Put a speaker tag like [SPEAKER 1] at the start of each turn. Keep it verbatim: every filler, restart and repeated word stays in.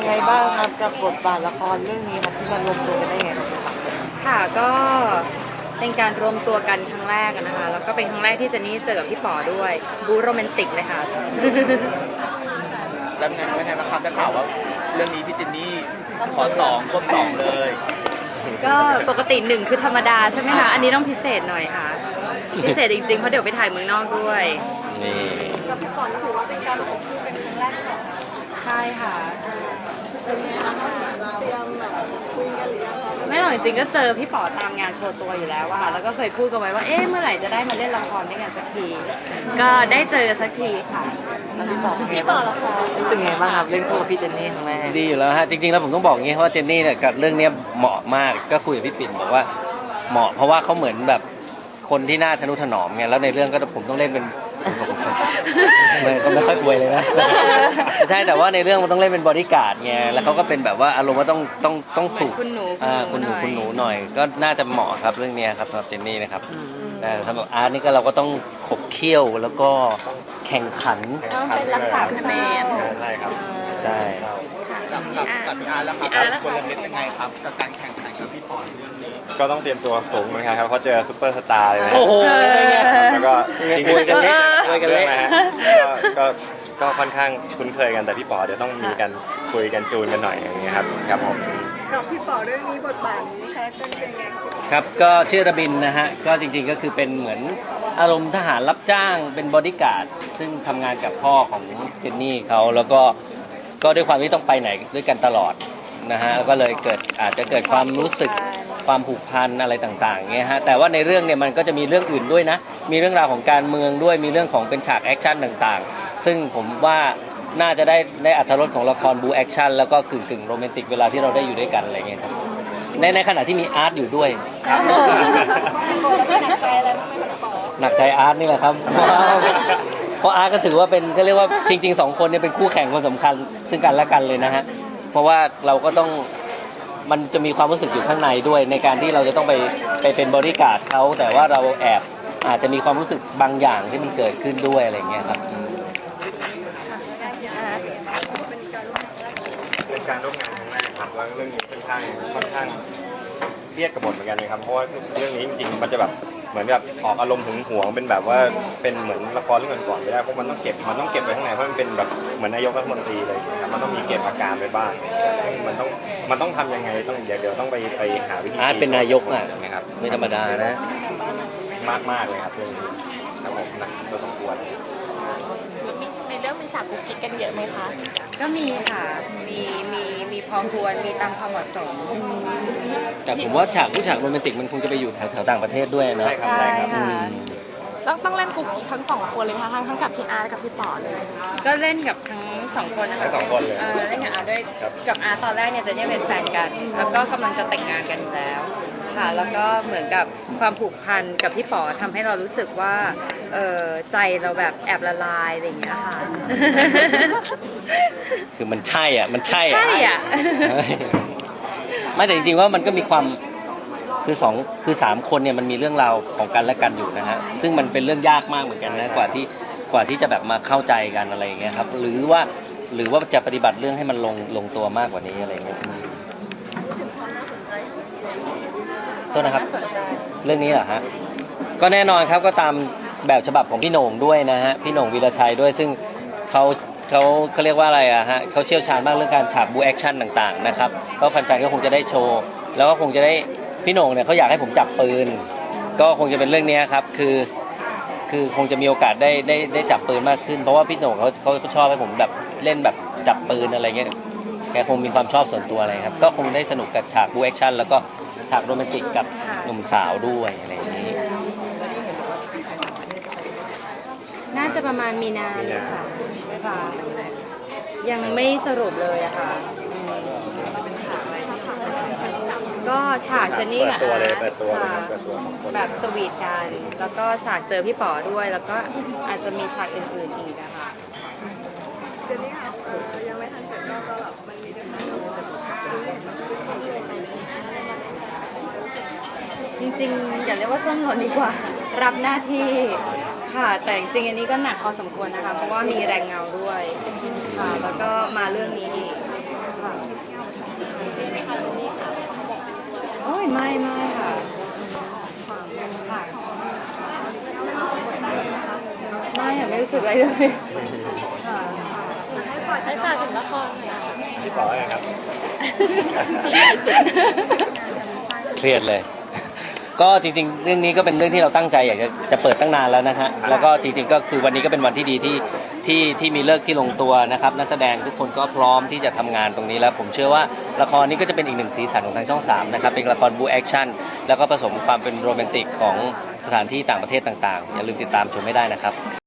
[SPEAKER 1] ไงบ้างครับกับบทบาทละครเรื่องนี้ครับที่มารวมตัวกันได้ไงครับสามคน
[SPEAKER 2] ค่ะก็เป็นการรวมตัวกันครั้งแรกนะคะแล้วก็เป็นครั้งแรกที่เจนนี่เจอกับพี่ป๋อด้วยบู๊โรแมนติกเลยค่ะ
[SPEAKER 3] แล้วไงไม่ไงบ้างครับจะข่าวว่าเรื่องนี้พี่เจนนี่ขอสองควบสองเลย
[SPEAKER 2] ก็ปกติหนึ่งคือธรรมดาใช่ไหมคะอันนี้ต้องพิเศษหน่อยค่ะพิเศษจริงๆเพราะเดี๋ยวไปถ่ายเมืองนอกด้วย
[SPEAKER 4] นี่
[SPEAKER 1] กับพี่ป๋อถือว่าเป็นการอบคู่เป็นครั้งแรกของ
[SPEAKER 2] ใช่ค่ะ
[SPEAKER 1] เป็นไงบ้างเตรียมแบบคุยกันหรือยังคะ
[SPEAKER 2] ไม่หรอกจริงๆก็เจอพี่ป๋อตามงานโชว์ตัวอยู่แล้วอะค่ะแล้วก็เคยพูดกันไว้ว่าเอ๊ะเมื่อไหร่จะได้มาเล่นละครด้วยกันสักทีก็ได้เจอสักทีค่ะ
[SPEAKER 1] แล้วพี่ป๋อเป็นไงบ้างรู้สึกไงบ้างครับเล่นคู่กับพี่เจนนี่ครั้งแรก
[SPEAKER 4] ดีอยู่แล้วฮะจริงๆแล้วผมต้องบอกอย่างนี้เพราะว่าเจนนี่เนี่ยกับเรื่องนี้เหมาะมากก็คุยกับพี่ปิ่นบอกว่าเหมาะเพราะว่าเขาเหมือนแบบคนที่น่าทนุถนอมไงแล้วในเรื่องก็ผมต้องเล่นเป็นไม่ก็ไม่ค่อยป่วยเลยนะใช่แต่ว่าในเรื่องมันต้องเล่นเป็นบอดี้การ์ดไงแล้วเขาก็เป็นแบบว่าอารมณ์ว่าต้องต้องต้องถูก
[SPEAKER 2] คุณหนู
[SPEAKER 4] คุณหนูคุณหนูหน่อยก็น่าจะเหมาะครับเรื่องนี้ครับสำหรับเจนนี่นะครับแต่สำหรับอาร์ตนี่ก็เราก็ต้องขบเคี่ยวแล้วก็แข่งขัน
[SPEAKER 2] ต้องเป็นรักษาคะแนน
[SPEAKER 4] ใช่ครับใช่
[SPEAKER 3] กับกับกับพี่อาร์แล้วครับคนละเม็ดยังไงครับกับการแข่งขันกับพี่ป๋อเรื่องนี้
[SPEAKER 5] ก็ต้องเตรียมตัวสูงเหมือนกันครับเพราะเจอซุปเปอร์สตาร์เลย
[SPEAKER 4] โอ้โห
[SPEAKER 5] แล้วก็จริงๆกันเ
[SPEAKER 4] ล่
[SPEAKER 5] นเรื่องนะฮะก็ก็ค่อนข้างคุ้นเคยกันแต่พี่ป๋อเดี๋ยวต้องมีกันคุยกันจูนกันหน่อยอย่างเงี้ยครับครับผม
[SPEAKER 1] กับพี่ป๋อเรื่องนี้บทบาทนี้แคสเป็นยังไง
[SPEAKER 4] ครับก็ชื่อระบินนะฮะก็จริงๆก็คือเป็นเหมือนอารมณ์ทหารรับจ้างเป็นบอดี้การ์ดซึ่งทำงานกับพ่อของเจนนี่เขาแล้วก็ก็ด้วยความที่ต้องไปไหนด้วยกันตลอดนะฮะก็เลยเกิดอาจจะเกิดความรู้สึกความผูกพันอะไรต่างๆเงี้ยฮะแต่ว่าในเรื่องเนี่ยมันก็จะมีเรื่องอื่นด้วยนะมีเรื่องราวของการเมืองด้วยมีเรื่องของเป็นฉากแอคชั่นต่างๆซึ่งผมว่าน่าจะได้ได้อรรถรสของละครบูแอคชั่นแล้วก็กึ่งๆโรแมนติกเวลาที่เราได้อยู่ด้วยกันอะไรเงี้ยครับในในขณะที่มีอาร์ตอยู่ด้วยหนักใจอาร์ตนี่แหละครับเพราะอาร์ตก็ถือว่าเป็นก็เรียกว่าจริงๆสองคนเนี่ยเป็นคู่แข่งคนสำคัญซึ่งกันและกันเลยนะฮะเพราะว่าเราก็ต้องมันจะมีความรู้สึกอยู่ข้างในด้วยในการที่เราจะต้องไปไปเป็นบริการดเขาแต่ว่าเราแอบอาจจะมีความรู้สึกบางอย่างที่มันเกิดขึ้นด้วยอะไรเงี้ยครับ
[SPEAKER 5] เป็นการร่วมงานครั้งแรกครับแล้วเรื่องนี้ค่อนข้างค่อนข้างเครียดกับบทเหมือนกันเลยครับเพราะว่าเรื่องนี้จริงๆมันจะแบบเหมือนแบบออกอารมณ์หึงหวงเป็นแบบว่าเป็นเหมือนละครเรื่องก่อนๆไม่ได้เพราะมันต้องเก็บมันต้องเก็บไว้ข้างในเพราะมันเป็นแบบเหมือนนายกรัฐมนตรีเลยครับมันต้องมีเก็บอาการไปบ้างมันต้องมันต้องทำยังไงต้องเดี๋ยวเดี๋ยวต้องไปไปหาวิธี
[SPEAKER 4] อาร์ตเป็นนายกอ่ะ
[SPEAKER 5] นะครับ
[SPEAKER 4] ไม่ธรรมดานะ
[SPEAKER 5] มากมากเลยครับเรื่องนี้ครับผมหนักตัวสมควร
[SPEAKER 1] ในเรื่องมีฉากกุ๊กกิ๊กกันเยอะไหมคะ
[SPEAKER 2] ก็มีค่ะมีมีมีพอควรมีตามความเหมาะสม
[SPEAKER 4] แต่ผมว่าฉากผู้ฉากโรแมนติกมันคงจะไปอยู่แถวแถวต่างประเทศด้วยนะ
[SPEAKER 2] ใช่ค่ะ
[SPEAKER 1] ต้องต้องเล่นกุ๊กทั้งสองคนเลยค่ะทั้งทั้งกับพี่อาร์กับพี่ป๋อเลย
[SPEAKER 2] ก็เล่นกับทั้งสองคนนะคะ
[SPEAKER 5] ทั้งสองคนเลย
[SPEAKER 2] เล่นกับอาร์ด้วยกับอาร์ตอนแรกเนี่ยจะเนี่ยเป็นแฟนกันแล้วก็กำลังจะแต่งงานกันอยู่แล้วค่ะแล้วก็เหมือนกับความผูกพันกับพี่ป๋อทำให้เรารู้สึกว่าเออใจเราแบบแอบละลายอะไรอย่างเงี้ยค่ะ
[SPEAKER 4] คือมันใช่อ่ะมันใช่
[SPEAKER 2] อ่ะใช่อ่ะ
[SPEAKER 4] ไม่แต่จริงๆว่ามันก็มีความคือสองคือสามคนเนี่ยมันมีเรื่องราวของกันและกันอยู่นะฮะซึ่งมันเป็นเรื่องยากมากเหมือนกันนะกว่าที่กว่าที่จะแบบมาเข้าใจกันอะไรอย่างเงี้ยครับหรือว่าหรือว่าจะปฏิบัติเรื่องให้มันลงลงตัวมากกว่านี้อะไรอย่างเงี้ยต้นนะครับเรื่องนี้เหรอฮะก็แน่นอนครับก็ตามแบบฉบับของพี่โหน่งด้วยนะฮะพี่โหน่งวีรชัยด้วยซึ่งเขาเขาเขาเรียกว่าอะไรอะฮะเขาเชี่ยวชาญมากเรื่องการฉากบูแอคชั่นต่างๆนะครับก็แฟนๆก็คงจะได้โชว์แล้วก็คงจะได้พี่โหน่งเนี่ยเขาอยากให้ผมจับปืนก็คงจะเป็นเรื่องนี้ครับคือคือคงจะมีโอกาสได้ได้ได้จับปืนมากขึ้นเพราะว่าพี่โหน่งเขาเขาชอบให้ผมแบบเล่นแบบจับปืนอะไรเงี้ยแกคงมีความชอบส่วนตัวอะไรครับก็คงได้สนุกกับฉากบูแอคชั่นแล้วก็ฉากโรแมนติกกับหนุ่มสาวด้วยอะไรอย่างนี้
[SPEAKER 2] น่าจะประมาณมีนาเลยค่ะค่ะยังไม่สรุปเลยอะค่ะก็ฉากเจนนี่กับอาร์ตแบบสวีทกันแล้วก็ฉากเจอพี่ป๋อด้วยแล้วก็อาจจะมีฉากอื่นๆอีกนะคะ
[SPEAKER 1] เจนนี่ค่ะยังไม่ทันเสร็จก็แบบมันมีเรื่อง
[SPEAKER 2] จริงๆอย่าเรียกว่าส้มหล่นดีกว่ารับหน้าที่ค่ะแต่จริงๆอันนี้ก็หนักพอสมควรนะคะเพราะว่ามีแรงเงาด้วยค่ะแล้วก็มาเรื่องนี้อีกค่ะรู้สึกอะไรเลย
[SPEAKER 1] ให้ฝากถึงละครหน่อยค่ะ
[SPEAKER 5] พี่ป๋ออะไรครับ
[SPEAKER 4] เครียดเลย ก็จริงๆ เรื่องนี้ก็เป็นเรื่องที่เราตั้งใจอยากจะจะเปิดตั้งนานแล้วนะฮะแล้วก็จริงๆก็คือวันนี้ก็เป็นวันที่ดีที่ที่ที่มีเลิกที่ลงตัวนะครับนักแสดงทุกคนก็พร้อมที่จะทำงานตรงนี้แล้วผมเชื่อว่าละครนี้ก็จะเป็นอีกหนึ่งสีสันของทางช่องสามนะครับเป็นละครบูแอคชั่นแล้วก็ผสมความเป็นโรแมนติกของสถานที่ต่างประเทศต่างๆอย่าลืมติดตามชมให้ได้นะครับ